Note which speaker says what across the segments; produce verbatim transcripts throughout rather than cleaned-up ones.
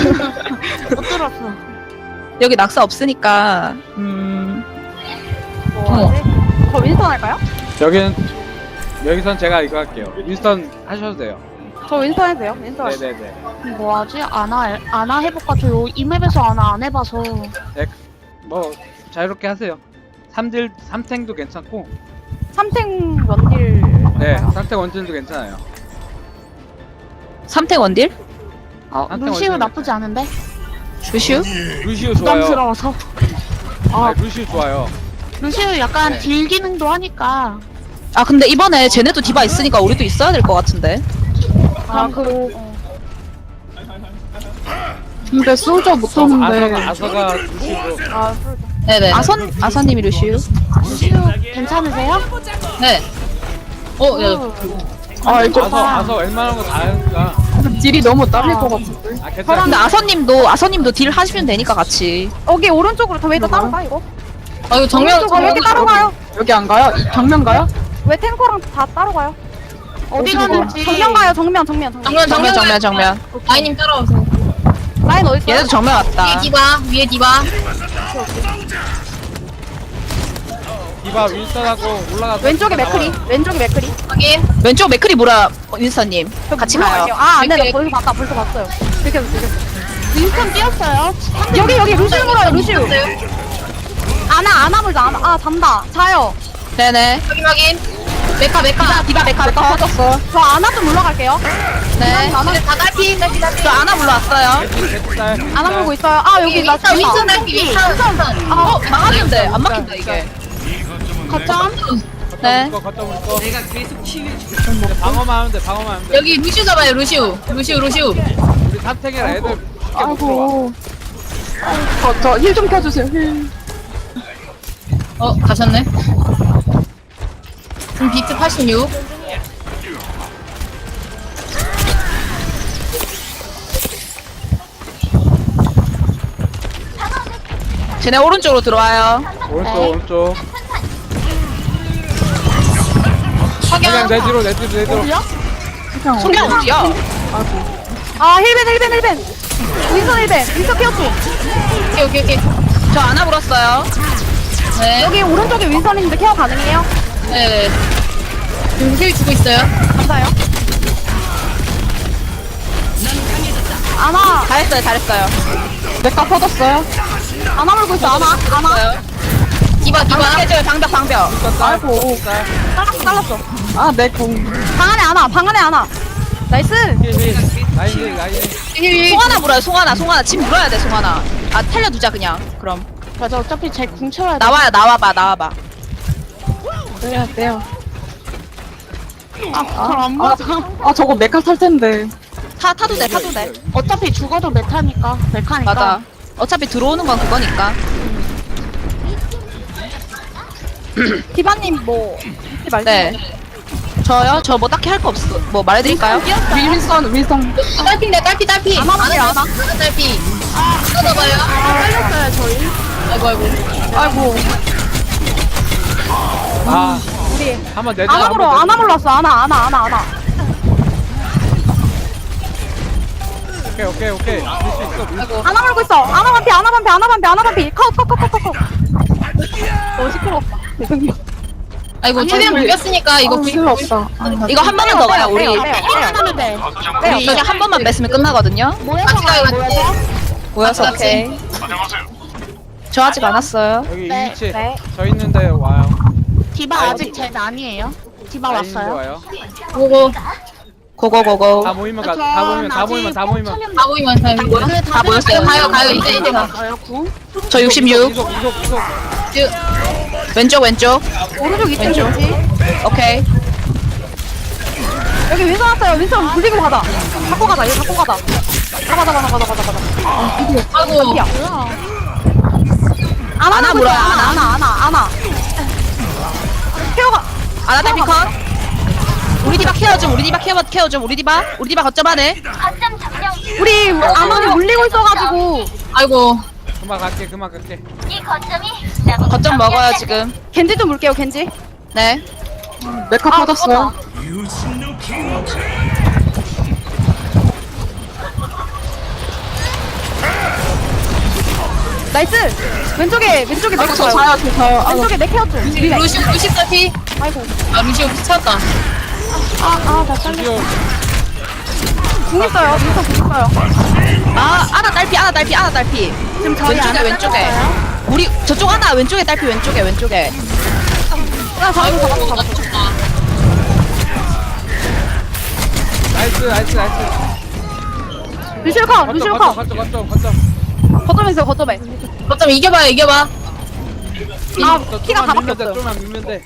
Speaker 1: 못 들었어.
Speaker 2: 여기 낙사 없으니까 음
Speaker 3: 뭐 하지? 저 윈스턴 할까요?
Speaker 4: 여기는 여기선 제가 이거 할게요. 윈스턴 하셔도 돼요.
Speaker 3: 저 윈스턴 해도 돼요? 윈스턴 할게요.
Speaker 4: 네네네.
Speaker 1: 뭐하지? 아나 아나 해볼까? 저 이 맵에서 아나 안 해봐서.
Speaker 4: 네, 뭐 자유롭게 하세요. 삼딜 삼탱도 괜찮고,
Speaker 3: 삼탱 원딜
Speaker 4: 네,
Speaker 3: 할까요?
Speaker 4: 삼탱 원진도 괜찮아요.
Speaker 2: 삼탱 원딜?
Speaker 1: 어,
Speaker 4: 한탕
Speaker 1: 루시우
Speaker 4: 원숭이
Speaker 1: 나쁘지 않은데?
Speaker 2: 루시우?
Speaker 4: 루시우 좋아요.
Speaker 1: 부담스러워서.
Speaker 4: 아, 루시우 좋아요.
Speaker 1: 루시우 약간
Speaker 4: 네.
Speaker 1: 딜 기능도 하니까.
Speaker 2: 아 근데 이번에 쟤네도 디바 있으니까 우리도 있어야 될 것 같은데.
Speaker 3: 아, 그, 어.
Speaker 5: 근데 솔저 못 썼는데.
Speaker 4: 아서가 아서가 루시우로.
Speaker 3: 아, 풀
Speaker 2: 네네. 아선 아선님이 루시우.
Speaker 1: 루시우 괜찮으세요?
Speaker 2: 네. 어, 야,
Speaker 5: 아 이거
Speaker 4: 아서 아서 웬만한 거 다 하니까.
Speaker 5: 딜이 너무 딸릴 것 같은데.
Speaker 4: 아
Speaker 2: 근데
Speaker 4: 괜찮아.
Speaker 2: 아선님도 아선님도 딜 하시면 되니까 같이.
Speaker 3: 여기 오른쪽으로 더 왜 더 따로 가, 이거?
Speaker 2: 아 이거 정면
Speaker 3: 오른쪽으로 왜 이렇게 따로 가요?
Speaker 5: 여기 안 가요? 이 정면 가요?
Speaker 3: 왜 탱커랑 다 따로 가요?
Speaker 1: 어디
Speaker 5: 어디로
Speaker 1: 가는지.
Speaker 3: 정면 가요, 정면, 정면, 정면.
Speaker 2: 정면 정면 정면.
Speaker 6: 라인님 따라오세요.
Speaker 3: 라인 어딨어요?
Speaker 2: 얘네도 정면
Speaker 6: 위에
Speaker 2: 왔다.
Speaker 6: 디바, 위에 디바.
Speaker 4: 디바 윈스턴하고 올라가서.
Speaker 3: 왼쪽에 맥크리, 왼쪽에 맥크리.
Speaker 6: 확인.
Speaker 2: 왼쪽 맥크리 뭐라 윈스턴님 같이 가요.
Speaker 3: 아, 안 돼, 나
Speaker 6: 맥크리.
Speaker 3: 벌써 봤다, 벌써 봤어요. 들켰어, 들켰어.
Speaker 1: 윈스턴 뛰었어요.
Speaker 3: 여기, 여기, 루시우 물어요, 루시우.
Speaker 6: 있어요.
Speaker 3: 아나, 아나 물자, 아나. 아, 잔다. 자요.
Speaker 2: 네네.
Speaker 6: 확인, 확인. 메카, 메카.
Speaker 2: 디바 메카 메카 퍼졌어.
Speaker 3: 저 아나 좀 물러갈게요.
Speaker 2: 네.
Speaker 3: 아나,
Speaker 6: 다 딸피, 딸피, 딸피.
Speaker 2: 저 아나 불러왔어요.
Speaker 4: 개짤.
Speaker 3: 아나 물고 있어요. 아, 여기 나
Speaker 6: 윈스턴, 윈스턴
Speaker 3: 죽다.
Speaker 6: 딸피, 윈스턴, 윈스턴.
Speaker 2: 어 막았는데 안 막힌다 이게.
Speaker 1: 거점.
Speaker 2: 네.
Speaker 4: 걷다 보니까. 내가 계속 치유. 방어만 하면 돼. 방어만 하면 돼.
Speaker 6: 여기 루시우 잡아요, 루시우. 루시우, 루시우.
Speaker 4: 우리 삼탱이라 애들 쉽게 못 들어와.
Speaker 5: 아이고. 저 힐 좀 켜주세요. 힐.
Speaker 6: 어, 가셨네. 음, 비트 팔십육.
Speaker 2: 쟤네 오른쪽으로 들어와요.
Speaker 4: 오른쪽
Speaker 3: 네.
Speaker 4: 오른쪽.
Speaker 6: 확인.
Speaker 4: 그냥 내 뒤로 내 뒤로 내 뒤로.
Speaker 5: 그냥
Speaker 2: 소개 어디야?
Speaker 3: 아, 힐벤, 힐벤, 힐벤. 윈선 힐벤. 윈선 피어프.
Speaker 6: 오케이, 오케이, 오케이.
Speaker 2: 저 아나 불었어요.
Speaker 6: 네.
Speaker 3: 여기 오른쪽에 윈선인데 케어 가능해요?
Speaker 6: 네. 지금 힐 주고 있어요.
Speaker 3: 감사해요. 아나,
Speaker 2: 잘했어요 잘했어요.
Speaker 5: 메카 퍼졌어요.
Speaker 3: 아나 물고 있어, 아나. 아나.
Speaker 6: 디바, 디바.
Speaker 2: 방벽 깨져요 방벽 방벽.
Speaker 5: 아이고.
Speaker 3: 잘랐어, 잘랐어.
Speaker 5: 아, 내 공.
Speaker 3: 방 안에 아나, 방 안에 아나. 나이스.
Speaker 4: 힐힐 라인 힐 라인 힐.
Speaker 6: 힐, 힐.
Speaker 2: 송하나 물어요 송하나 송하나 침 물어야 돼 송하나. 아 살려두자 그냥 그럼.
Speaker 1: 맞아, 어차피 제 궁쳐야 돼.
Speaker 2: 나와요 나와봐 나와봐.
Speaker 5: 돼요, 돼요.
Speaker 1: 아, 잘안 맞아.
Speaker 5: 아, 저거 메카 탈 텐데.
Speaker 2: 타 타도 돼 타도 돼.
Speaker 1: 어차피 죽어도 메타니까. 메카니까.
Speaker 2: 맞아. 어차피 들어오는 건 그거니까.
Speaker 3: 디바님 뭐, 잊지 말고.
Speaker 2: 네. 저요? 저 뭐 딱히 할 거 없어. 뭐 말해드릴까요?
Speaker 5: 윈선, 윈선.
Speaker 6: 딸피인데, 딸피, 딸피.
Speaker 3: 안 하면 돼, 안 하.
Speaker 6: 하나 딸피. 아, 뜯어봐요.
Speaker 1: 살렸어요, 저희.
Speaker 6: 아이고, 아이고.
Speaker 5: 아이고.
Speaker 4: 아
Speaker 3: 우리.
Speaker 4: 한번 내 뒤로.
Speaker 3: 아나 물어, 아나 물렀어. 아나, 아나, 아나, 아나.
Speaker 4: 오케이 오케이 오케이. 밀수 있어 밀수 있어.
Speaker 3: 아나 물고 있어. 아나 반피, 아나 반피, 아나 반피, 아나 반피. 컷, 컷, 컷, 컷, 컷, 컷. 어, 시끄럽다.
Speaker 6: 아이고, 최대한 물렸으니까 이거
Speaker 5: 이거
Speaker 6: 불-
Speaker 5: 필요 없다.
Speaker 2: 이거 한 번만 더 가요 우리.
Speaker 3: 빼요, 빼요, 빼요.
Speaker 1: 하면 돼.
Speaker 2: 우리 그냥 한 번만 뺐으면 끝나거든요.
Speaker 1: 모여서
Speaker 6: 같이 가요,
Speaker 1: 가요,
Speaker 6: 같이.
Speaker 1: 모여서.
Speaker 2: 모여서
Speaker 6: 같이.
Speaker 2: 오케이. 저 아직 안 왔어요.
Speaker 4: 여기
Speaker 1: 네,
Speaker 4: 이 위치
Speaker 3: 네.
Speaker 4: 저 있는데 와요.
Speaker 1: 디바
Speaker 4: 아,
Speaker 1: 아직 제 난이에요. 디바
Speaker 4: 라인도
Speaker 1: 왔어요.
Speaker 4: 와요.
Speaker 6: 보고.
Speaker 2: 고고고고.
Speaker 4: 다 모이면 가. 다 모이면 다 모이면 다 모이면.
Speaker 6: 다 모이면 다 모이면.
Speaker 1: 네,
Speaker 2: 다 모였어요.
Speaker 6: 가요, 가요, 이제, 이제 가.
Speaker 1: 가요, 궁.
Speaker 2: 저 육십육.
Speaker 4: 이속 이속 이속.
Speaker 2: 왼쪽 왼쪽.
Speaker 3: 오른쪽 이층
Speaker 2: 왼쪽.
Speaker 3: 뭐지?
Speaker 2: 오케이.
Speaker 3: 여기 윈선 왔어요. 윈선 굴리고 가자. 갖고 가자. 이거 갖고 가자. 가자, 가자, 가자, 가자, 가자, 가자.
Speaker 6: 아이고.
Speaker 3: 야. 아나
Speaker 2: 아나
Speaker 3: 물고
Speaker 2: 물어요,
Speaker 3: 있어. 아나, 아나, 아나, 아나. 케어가.
Speaker 2: 아나 달피 컷. 우리 디바 케어 좀 우리 디바 케어 케어 좀 우리 디바 우리 디바 거점 안에.
Speaker 3: 우리 아나니 물리고 있어가지고
Speaker 6: 아이고.
Speaker 4: 그만 갈게 그만 갈게.
Speaker 2: 거점 먹어요 지금.
Speaker 3: 겐지 좀 물게요. 겐지.
Speaker 2: 네.
Speaker 5: 메카
Speaker 3: 아,
Speaker 5: 퍼졌어요.
Speaker 3: 나이스. 왼쪽에 왼쪽에 맥
Speaker 5: 저
Speaker 3: 좋아요.
Speaker 5: 자요, 저 자요. 아,
Speaker 3: 왼쪽에 맥 헤어져.
Speaker 6: 루시 루시 딸피.
Speaker 3: 아이고.
Speaker 6: 아 루시 찾았다.
Speaker 1: 아아나 잘렸어.
Speaker 4: 드디어
Speaker 3: 궁 있어요. 윈스턴 궁 있어요.
Speaker 2: 아 아나 딸피 아나 딸피 아나 딸피.
Speaker 1: 지금 저희
Speaker 2: 왼쪽에
Speaker 1: 안
Speaker 2: 왼쪽에.
Speaker 1: 잘렸어요?
Speaker 2: 우리 저쪽 하나 왼쪽에 딸피 왼쪽에 왼쪽에.
Speaker 3: 아, 잡았어, 잡았어, 잡았어.
Speaker 4: 나이스 나이스 나이스.
Speaker 3: 루시오 컷, 루시오 컷.
Speaker 4: 거점 거점 거점.
Speaker 3: 거점에 있어요, 거점에.
Speaker 6: 어쩜 이겨봐요 이겨봐.
Speaker 3: 아,
Speaker 4: 저
Speaker 3: 키가 다
Speaker 4: 좀만 밀면 돼,
Speaker 3: 바뀌었어요.
Speaker 4: 좀만 밀면 돼.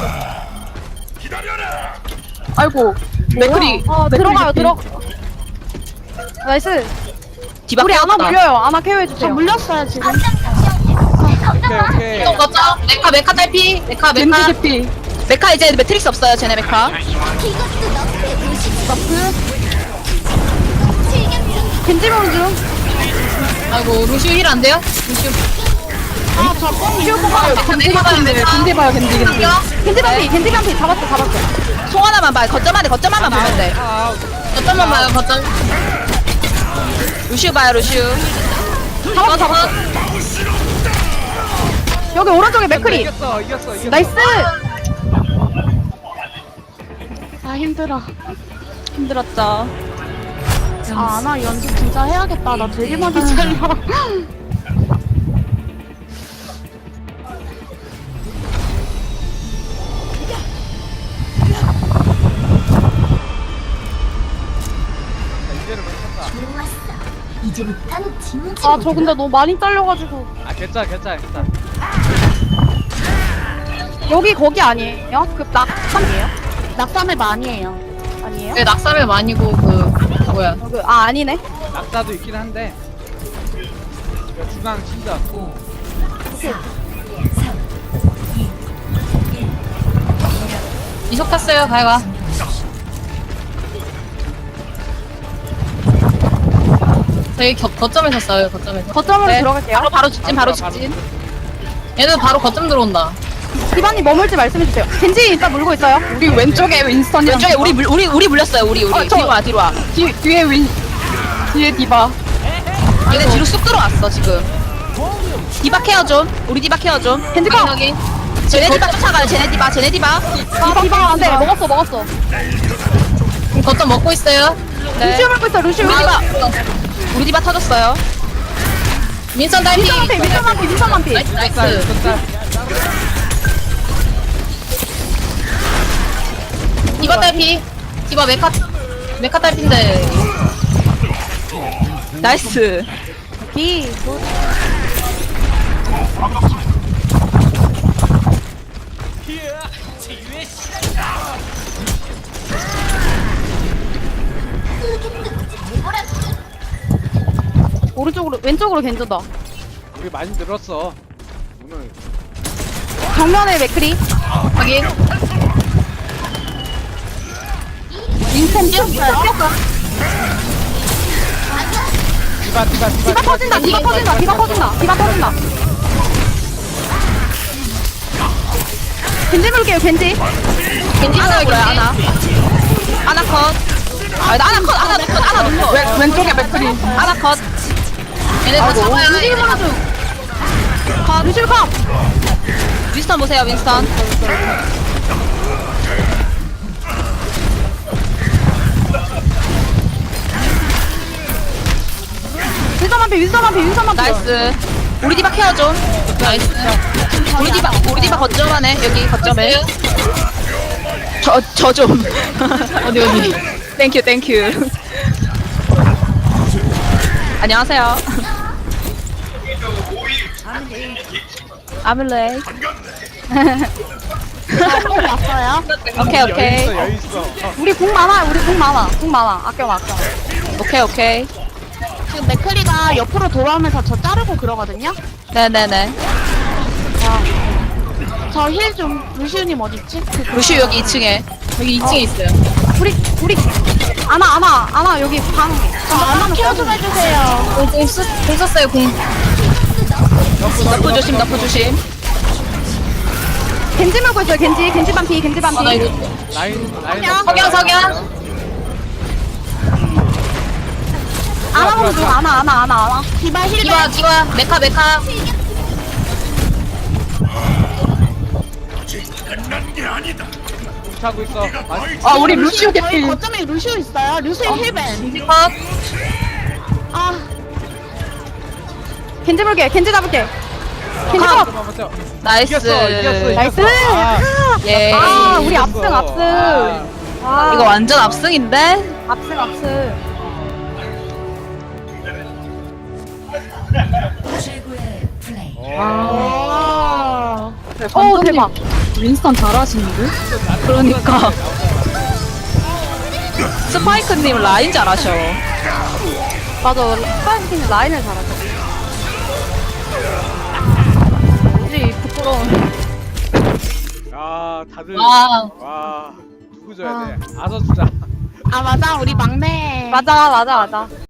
Speaker 5: 아이고.
Speaker 3: 맥크리. 어, 들어가요, 들어. 나이스.
Speaker 2: 디바
Speaker 3: 우리 아나
Speaker 2: 깨웠다.
Speaker 3: 물려요. 아나
Speaker 1: 저
Speaker 3: 케어해주세요.
Speaker 1: 물렸어요 지금.
Speaker 4: 오케이 오케이.
Speaker 6: 또 거점. 메카 메카 딸피. 메카
Speaker 5: 겐지
Speaker 6: 메카.
Speaker 5: 개피.
Speaker 2: 메카 이제 매트릭스 없어요 쟤네 메카.
Speaker 3: 겐지 보는 중.
Speaker 6: 아이고 루시 힐 안 돼요? 루시.
Speaker 1: 아저 뽕이
Speaker 3: 루시오 뽑아요.
Speaker 5: 겐지 개피인데, 겐지 봐요, 겐지, 겐지.
Speaker 3: 겐지 반피, 겐지 반피. 잡았어, 잡았어.
Speaker 2: 송 하나만 봐. 거점 안에 거점 하나만 보면 돼.
Speaker 4: 아,
Speaker 6: 거점만 봐요 거점.
Speaker 2: 루시우 봐요 루시우.
Speaker 3: 잡았어, 잡았어. 여기 오른쪽에 맥크리.
Speaker 4: 이겼어 이겼어 이겼어.
Speaker 3: 나이스.
Speaker 1: 아 힘들어.
Speaker 2: 힘들었죠.
Speaker 1: 아 아나 연습 진짜 해야겠다. 나 되게 많이 잘려.
Speaker 4: 이제는 괜찮다.
Speaker 3: 아, 저 근데 너무 많이 잘려가지고.
Speaker 4: 아 괜찮아 괜찮아 괜찮아.
Speaker 3: 여기 거기 아니에요? 그 낙삼이에요?
Speaker 1: 낙삼을 많이 해요.
Speaker 3: 아니에요?
Speaker 6: 네 낙사를 많이고 그 뭐야.
Speaker 3: 그, 아, 아니네.
Speaker 4: 낙사도 있긴 한데. 이거 중앙 진짜.
Speaker 6: 이속 탔어요 가해가. 저희 겨, 거점에서 싸워요 거점에서.
Speaker 3: 거점으로
Speaker 2: 네.
Speaker 3: 들어갈게요.
Speaker 2: 바로 바로 직진 바로
Speaker 4: 바로,
Speaker 2: 직진.
Speaker 6: 얘들 바로 거점 들어온다.
Speaker 3: 기반님 머물지 말씀해주세요. 겐지 일단 물고 있어요.
Speaker 5: 우리 왼쪽에 윈스턴이랑.
Speaker 2: 왼쪽에 우리 물 우리 우리 물렸어요 우리 우리.
Speaker 5: 어, 저-
Speaker 2: 뒤로 와 뒤로 와.
Speaker 5: 뒤, 뒤에 윈, 뒤에 디바.
Speaker 2: 얘네 뒤로 쑥 들어왔어 지금. 디바 케어 좀. 우리 디바 케어 좀.
Speaker 3: 겐지 컷!
Speaker 6: 확인.
Speaker 2: 쟤네 디바 쫓아가요. 쟤네 디바 쟤네 디바.
Speaker 3: 아, 디바 안 돼. 먹었어, 먹었어.
Speaker 6: 확인. 거점 먹고 있어요.
Speaker 2: 네.
Speaker 3: 루시오 물고 있어, 루시오.
Speaker 2: 우리 디바 우리 디바 터졌어요.
Speaker 6: 민선 딸피.
Speaker 3: 민선 만피, 민선 만피, 민선 만피.
Speaker 6: 나이스
Speaker 4: 쌀
Speaker 6: 나이스.
Speaker 4: 쌀.
Speaker 6: 디바 딸피. 디바 메카 메카 딸피인데.
Speaker 2: 나이스.
Speaker 3: 기. 오른쪽으로, 왼쪽으로 겐지다.
Speaker 4: 우리 많이 늘었어. 오늘
Speaker 3: 정면에 맥크리.
Speaker 6: 확인.
Speaker 3: 인턴 뛰었어요.
Speaker 4: 디바 디바 디바.
Speaker 3: 디바 터진다, 디바 터진다, 디바 터진다, 디바 터진다. 겐지 물게요, 겐지.
Speaker 6: 겐지
Speaker 2: 하나
Speaker 6: 있어요
Speaker 2: 물어요
Speaker 6: 겐지.
Speaker 2: 하나. 하나 컷. 아, 나 하나 컷 하나 컷 하나 놓고.
Speaker 5: 왼, 왼쪽에 맥크리.
Speaker 2: 하나 컷.
Speaker 6: 얘네 다 잡아야
Speaker 3: 겐지
Speaker 6: 돼.
Speaker 3: 물어줘. 컷, 루시오 컷.
Speaker 2: 윈스턴 보세요 윈스턴.
Speaker 3: 윈선 만피, 윈선 만피, 윈선 만피.
Speaker 2: 나이스. 우리 디바 케어 좀.
Speaker 6: 나이스.
Speaker 2: 우리 디바 우리 디바 거점 안에 여기 거점에.
Speaker 6: 됐어요?
Speaker 2: 저 저 좀.
Speaker 6: 어디 어디.
Speaker 2: 땡큐 땡큐. 안녕하세요. 아밀레이.
Speaker 1: 뽕 왔어요.
Speaker 2: 오케이 오케이
Speaker 4: 여유 있어 여유 있어. 어,
Speaker 3: 우리 궁 많아, 우리 궁 많아, 궁 많아. 아껴, 아껴.
Speaker 2: 오케이 오케이.
Speaker 1: 지금 맥크리가 옆으로 돌아오면서 저 자르고 그러거든요.
Speaker 2: 네네네.
Speaker 1: 저 힐 좀 루시우님 어딨지? 그,
Speaker 2: 루시 여기 이 층에.
Speaker 6: 여기 이 층에 있어요.
Speaker 3: 우리, 우리. 아나, 아나, 아나, 여기 방.
Speaker 1: 저 하나 케어 좀 해주세요.
Speaker 6: 어, 공, 쓰, 공 썼어요 공.
Speaker 2: 너프 조심 너프 조심.
Speaker 3: 겐지 물고 있어요, 겐지. 겐지 반피, 겐지 반피.
Speaker 6: 아 나 이거
Speaker 4: 라인 라인.
Speaker 3: 석양,
Speaker 6: 석양 석양.
Speaker 3: 아나 보는 중 아나 아나 아나 아나.
Speaker 1: 디바 힐
Speaker 6: 디바 디바 메카 메카
Speaker 4: 차고 있어. 맛있-
Speaker 5: 아 우리 루시오
Speaker 1: 저희
Speaker 5: 개피.
Speaker 1: 거점에 루시오 있어요. 루시오 힐벤.
Speaker 6: 컷
Speaker 1: 아
Speaker 3: 겐지 볼게 겐지 잡을게. 겐지
Speaker 4: 아,
Speaker 3: 잡.
Speaker 4: 잠깐만, 맞죠?
Speaker 2: 나이스.
Speaker 4: 이겼어, 이겼어, 이겼어.
Speaker 3: 나이스.
Speaker 4: 아,
Speaker 2: 예.
Speaker 3: 아 우리
Speaker 4: 이겼어.
Speaker 3: 압승 압승.
Speaker 4: 아.
Speaker 3: 아
Speaker 2: 이거 완전 압승인데?
Speaker 3: 압승 압승.
Speaker 1: 아.
Speaker 3: 오 대박.
Speaker 5: 윈스턴 잘하시는데?
Speaker 2: 그러니까. 스파이크님 라인 잘하셔.
Speaker 3: 맞아. 스파이킹 라인을 잘하죠. 뭐지 부끄러운.
Speaker 4: 아, 다들.
Speaker 6: 와.
Speaker 4: 와, 누구 줘야 돼? 아서 주자.
Speaker 1: 아 맞아 우리 막내.
Speaker 3: 맞아 맞아 맞아.